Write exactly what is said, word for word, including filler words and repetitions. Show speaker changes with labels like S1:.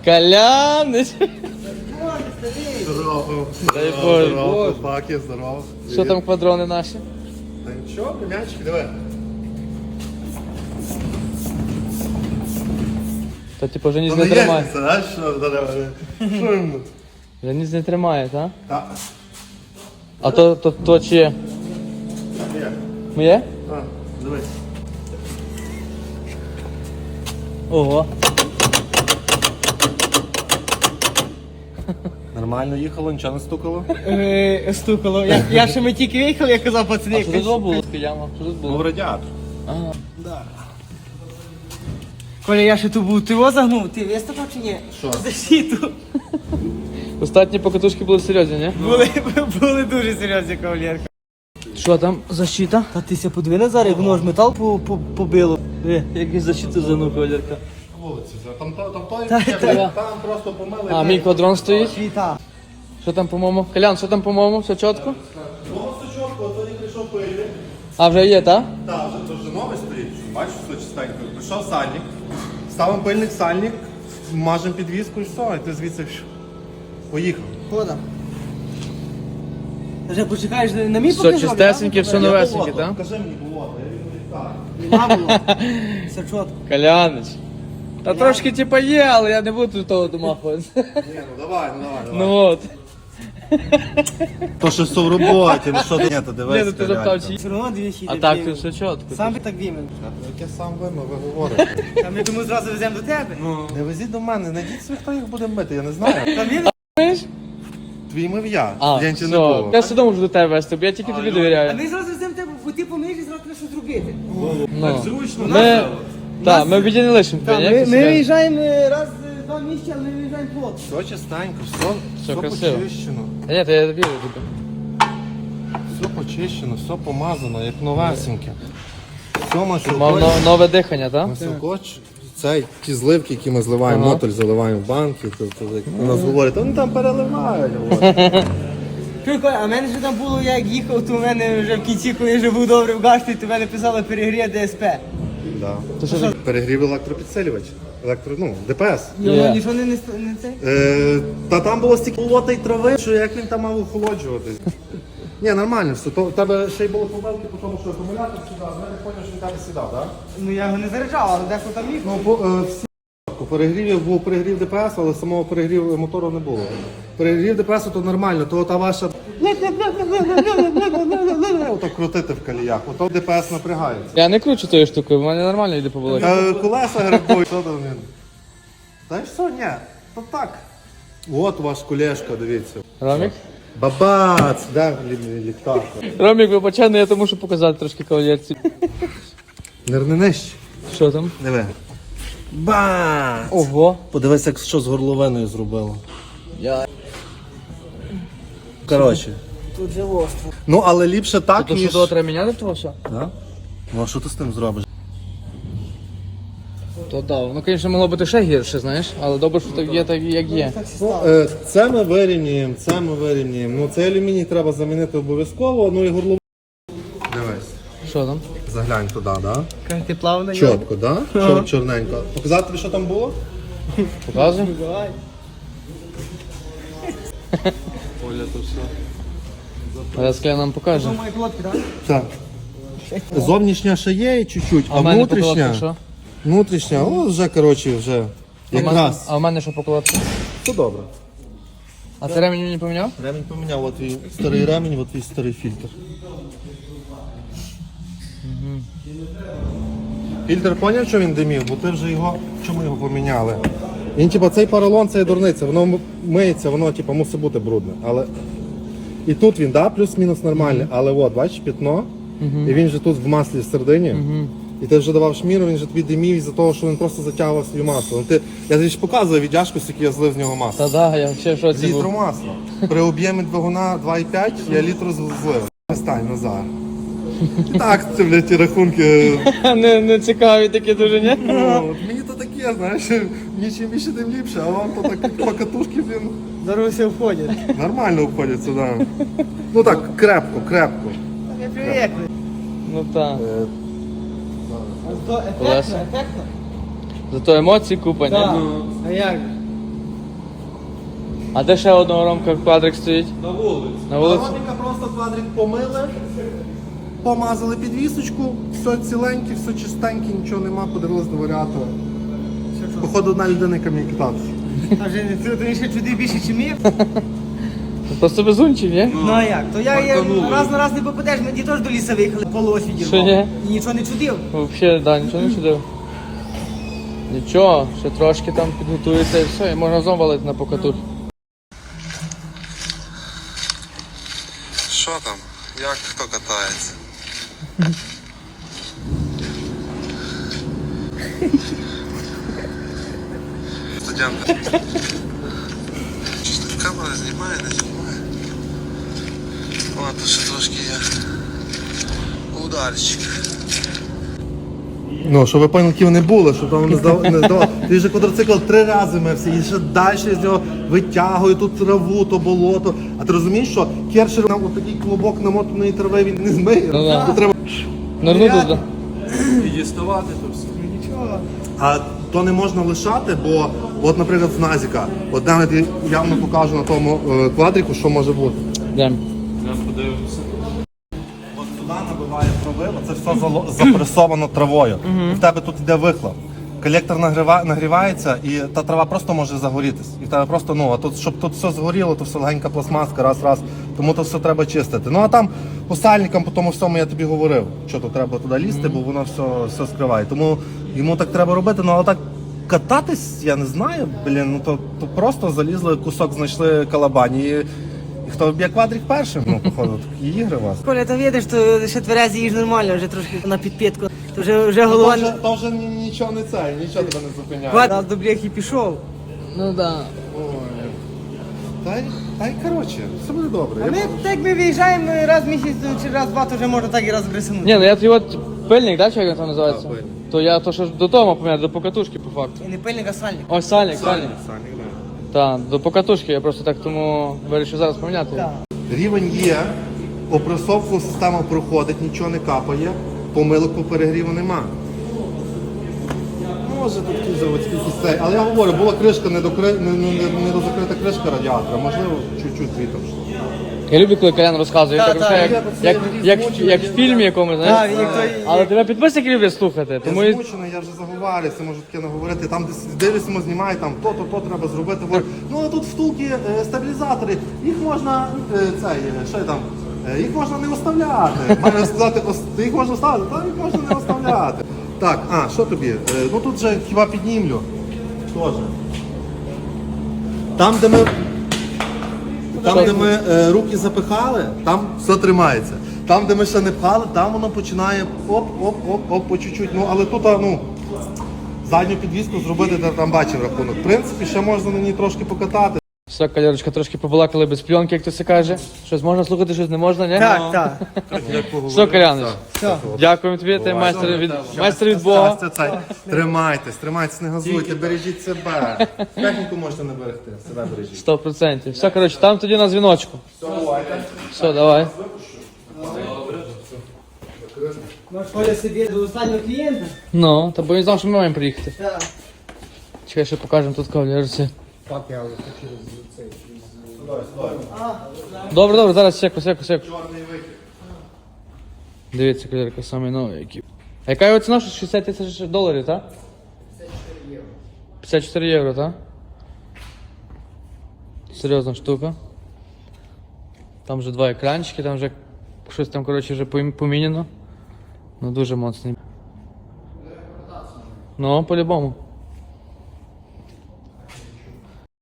S1: Коляныч!
S2: Здорово.
S1: Дай Боже.
S2: Здорово, паки, здорово.
S1: Що там квадрони наші?
S2: Та нічого, м'ячик, диви.
S1: То типу вже ніс
S2: Ну,
S1: не
S2: не
S1: тримає.
S2: єдніться, знаєш, що здорово. Що йому?
S1: Вже ніс не тримає, так?
S2: Так.
S1: А то, то, то чиє?
S2: Є.
S1: Моє?
S2: А, дивись.
S1: Ого.
S2: Нормально їхало, нічого не стукало?
S3: Е, Стукало. Я, я ще ми тільки виїхали, я казав,
S1: А
S3: пацани.
S1: що тут було? Яма? Що тут
S2: Був
S1: було?
S2: радіатор.
S1: Ага.
S3: Коля, я ще тут був, ти його загнув, ти виступав чи ні?
S2: Що?
S3: Защиту.
S1: Остатні покатушки були серйозні, ні?
S3: Були, були дуже серйозні кавалерка.
S1: Що там? Защита?
S3: Та ти ся подиви на зараз, як воно ж метал по, по, побило. Диви.
S1: Якісь защити занув, кавалерка.
S2: Вулиці, там, там, там, той,
S3: Та,
S2: там,
S3: та.
S2: там просто помили.
S1: А, мій квадрон стоїть.
S3: Світа.
S1: Що там, по-моєму? Колян, що там, по-моєму? Все чітко?
S2: Ну, все чітко, тоді прийшов пильник.
S1: А, вже є, так?
S2: Так, вже, то вже новий стоїть, бачиш, все чистенько. Прийшов сальник, ставимо пильник, сальник, мажемо підвіску і все, і ти звідси що? Поїхав.
S3: Хода. Вже почекаєш на мій
S1: Все чистесеньке, все
S2: Я
S1: новесеньке,
S2: було,
S1: так?
S2: Покажи мені було, я відповідь так.
S3: Нема було. Все чітко.
S1: Коляныч. Та трошки типа є, але я не буду того домахуватися.
S2: Ні, ну давай, ну давай, давай.
S1: Ну от.
S2: То що все в роботі, ну що ти? Ні, то
S1: Ні,
S2: дивись.
S1: ну ти запитав, чи...
S3: Все одно двічі.
S1: А так, тут все чітко.
S3: Сам би так вімен.
S2: Яке сам вимив, ви говорите.
S3: Та ми тому зразу веземо до тебе.
S2: Не везіть до мене, найдіть собі, хто їх буде мити, я не знаю.
S3: Там він.
S1: Знаєш?
S2: Твій мив я,
S1: А,
S2: клієнтів
S1: все.
S2: не було.
S1: Я все одно можу до тебе вести, бо я тільки тобі
S3: А
S1: довіряю.
S3: ми зразу веземо тебе, бо ти помиєш і зразу треба щось зробити.
S1: Ну.
S2: Зручно,
S1: Ми... Так, ми в біді не лишимо тебе,
S3: Та,
S1: ні?
S3: ми,
S1: Ти
S3: ми
S1: скажеш.
S3: виїжджаємо е, раз е, два місяці, але ми виїжджаємо плотно.
S2: Все чистенько, все, все
S1: красиво.
S2: почищено.
S1: Та ні, то я вірю тобі.
S2: Все почищено, все помазано, як новесеньке. Все
S1: Мав
S2: масилкоч.
S1: но- нове дихання, так?
S2: Масилкоч. Це ті зливки, які ми зливаємо,
S1: Ага.
S2: мотоль заливаємо в банки, то, то, як у нас говорять, вони там переливають. говорять.
S3: Чуй, Коля, а в мене ж там було, я як їхав, то в мене вже в кінці, коли вже був добре в гашті, то в мене писало перегріє ДСП.
S2: Да.
S1: То що таке?
S2: Перегрів електропідсилювач, електро, ну, ДПС.
S3: І воно
S1: Є.
S3: нічого не, не, ст- не цей?
S2: Е, та там було стільки болота й трави, що як він там мав охолоджуватись. Ні, нормально все. То, у тебе ще й були помилки по тому, що акумулятор сідав, я не зрозумів, що він тебе сідав, так?
S3: Ну я його не заряджав, але дехто там їхав.
S2: Ну, по, е, всі по перегрівів був перегрів ДПС, але самого перегріву мотору не було. Перегрів ДПС то нормально, то та ваша ото крутити в коліях, ото ДПС напрягається.
S1: Я не кручу тою штукою, в мене нормально йде по болоті.
S2: Е, колеса грибують, що там він? Та й що, ні, то так. От ваш кулешка, дивіться.
S1: Ромік?
S2: Бабац, да, лі- ліхтар.
S1: Ромік, вибачай, але я то мушу показати трошки кавалерці.
S2: Нирни нижче.
S1: Що там?
S2: Диви. Бац!
S1: Ого.
S2: Подивись, як що з горловиною зробило.
S1: Я...
S2: Коротше.
S3: Тут же остро.
S2: Ну, але ліпше так,
S1: То що
S2: ніж...
S1: того треба міняти того все?
S2: Да? Ну, а що ти з тим зробиш?
S1: То да, ну, звісно, могло бути ще гірше, знаєш, але добре, що так є, так як є.
S2: Ну, е, це ми вирівнюємо, це ми вирівнюємо. Ну, цей алюміній треба замінити обов'язково, ну і горловину. Дивись,
S1: Що там?
S2: заглянь туди, да?
S3: Каже, ти плавно.
S2: Чітко, да? Чор, чорненько. Показати тобі, що там було?
S1: Показуй.
S3: Давай.
S1: Оля, то все. А я нам покаже.
S3: Що мої плотки, так?
S2: Так. Зовнішня ще є чуть-чуть, а,
S1: А в мене
S2: внутрішня,
S1: покладка що?
S2: внутрішня, о, вже, коротше, вже
S1: А в мене-
S2: якраз.
S1: А в мене що покладка?
S2: Все добре.
S1: А ти ремінь мені поміняв?
S2: Ремінь поміняв, от твій старий ремінь, от твій старий фільтр. Фільтр поняв, що він димів, бо ти вже його, чому його поміняли? Він, типа, цей поролон, це є дурниця, воно м- миється, воно, типа, мусить бути брудне. Але... І тут він, да, плюс-мінус нормальний, але от, бачиш, пятно, і він же тут в маслі всередині. І ти вже давав шміру, він же тобі димів із-за того, що він просто затягував свій масло. Ну, ти, я тобі ж показував віддяжку, скільки я злив з нього масла.
S1: Та да, я ще в шоці
S2: Літру
S1: був.
S2: масла. При об'ємі двигуна два і п'ять я літру злив. Стань, Назар. І так, це, блядь, ті рахунки.
S1: Не, не цікаві такі дуже, ні?
S2: Ну, от мені то таке, знаєш, мені чим більше, тим ліпше, а вам то так покатушки, блін,
S3: Дорогу все входять.
S2: нормально обходяться, да. Ну так, крепко, крепко.
S3: Я привикли.
S1: Ну так.
S2: Е,
S3: А то ефектно,
S1: Колеса.
S3: ефектно.
S1: Зато емоції купа, ні?
S3: Так. А як?
S1: А де ще одного Ромка квадрик стоїть?
S2: На вулиці.
S1: На вулиці?
S2: Роміка просто квадрик помили, помазали підвісочку, все ціленьке, все чистеньке, нічого нема, подивились до варіатора. Походу, одна людина, яка мені катався.
S3: А вже не ти ти ще чуди більше, ніж мій?
S1: Просто безунчик, ні?
S3: Ну а як? То я, я раз на раз не попадеш, ми ті теж до лісу виїхали, полось
S1: Що
S3: відірвав.
S1: ні?
S3: І нічого не чудив.
S1: Взагалі, да, нічого не чудив. Нічого, ще трошки там підготується і все, і можна разом валити на покатур.
S2: Що там? Як хто катається? Студентка. Камера знімає, не знімає. О, тут ще трошки є ударчик. Ну, щоб ви поняли, які вони були, щоб там не здав, не здавав. Ти вже квадроцикл три рази мився, і ще далі з нього витягує тут траву, то болото. А ти розумієш, що кершер нам отакий клубок намотаної трави він не змиє.
S1: Ну, да.
S2: Тут треба...
S1: Нирнути туди.
S4: І діставати то все.
S3: Нічого.
S2: А то не можна лишати, бо, от, наприклад, з Назіка, от навіть я явно покажу на тому е, квадрику, що може бути.
S1: Йдемо.
S4: Я подивимося.
S2: От сюди набиває трави, оце все зало- запресовано травою. І в тебе тут йде вихлоп. Колектор нагріва, нагрівається і та трава просто може загорітись. І в тебе просто, ну, а тут, щоб тут все згоріло, то все легенька пластмаска, раз-раз. Тому то все треба чистити. Ну а там по сальникам, по тому всьому я тобі говорив, що то треба туди лізти, бо воно все, все скриває. Тому йому так треба робити, ну але так кататись, я не знаю, блін, ну то, то просто залізли, кусок знайшли калабані. І, і хто б'є квадрик першим, ну, походу, такі ігри у вас.
S3: Коля, ти видиш, то ще тверезі їж нормально, вже трошки на підпітку. То вже, вже голова...
S2: То вже, то вже ні- нічого не це, нічого тебе не зупиняє.
S3: Квадрат до бляхи пішов.
S1: Ну да.
S2: Та й, та й коротше, все буде добре.
S3: А
S2: Я
S3: ми,
S2: можу-
S3: так ми виїжджаємо раз в місяць чи раз в два, то вже можна так і розгресанути.
S1: Ні, ну я твій от пильник, да, чи як він там називається?
S2: Так, пильник.
S1: То я то що ж додому поміняв, до покатушки по факту.
S3: І не пильник, а сальник.
S1: Ось сальник, сальник.
S2: Санік, да.
S1: Так, до покатушки, я просто так тому вирішив зараз поміняти.
S3: Так.
S2: Рівень є, опресовку система проходить, нічого не капає, помилок по перегріву нема. Може тут якийсь заводський цей, але я говорю, була кришка не, докри... не, не, не дозакрита кришка радіатора, можливо, чуть-чуть звітом.
S1: Я люблю, коли Колян розказує,
S3: Так,
S1: так,
S3: так,
S1: як,
S2: я
S1: як,
S2: це
S1: як,
S2: різ
S1: як,
S2: мучив,
S1: як
S2: я
S1: в фільмі якомусь, знаєш?
S3: Так, як той-
S1: Але тебе підписники люблять слухати, тому
S2: Я
S1: і...
S2: змучений, я вже заговарюся, можу таке наговорити. Там десь дивишся, знімає, там то-то, то треба зробити. Говорю, ну а тут втулки, е, стабілізатори, їх можна, е, цей, е, що я там, е, їх можна не оставляти. Маю сказати, ос- їх можна ставити, та їх можна не оставляти. Так, а, що тобі? Е, ну тут же хіба піднімлю. Тоже. Там, де ми. Там, де ми е, руки запихали, там все тримається. Там, де ми ще не пхали, там воно починає оп-оп-оп-оп по чуть-чуть. Ну, але тут, а, ну, задню підвіску зробити, де там бачив рахунок. В принципі, ще можна на ній трошки покатати.
S1: Все, Калерочка, трошки побалакали без пленки, як то це каже. Щось можна слухати, щось не можна, ні?
S3: Так, так.
S1: Все, Коляныч,
S3: Все.
S1: дякуємо тобі, ти майстер від, майстер від Бога.
S2: Це, це, тримайтесь, тримайтесь, не газуйте, бережіть себе. Техніку можете не берегти, себе бережіть.
S1: Сто процентів. Все, коротше, там тоді на дзвіночку. Все, давай.
S3: Ну, Коля собі до останнього клієнта.
S1: Ну, та бо він знав, що ми маємо приїхати.
S3: Так.
S1: Чекай, ще покажемо тут кавалерці. Добре, добре, зараз секу, секу, секу. Дивіться, кавалерка, самий новий який. А яка його ціна? Що шістдесят тисяч доларів, так? п'ятдесят чотири євро, так? Серйозна штука. Там вже два екранчики, там вже щось там, коротше, вже помі- поміняно. Ну дуже моцний. Ну, по-любому.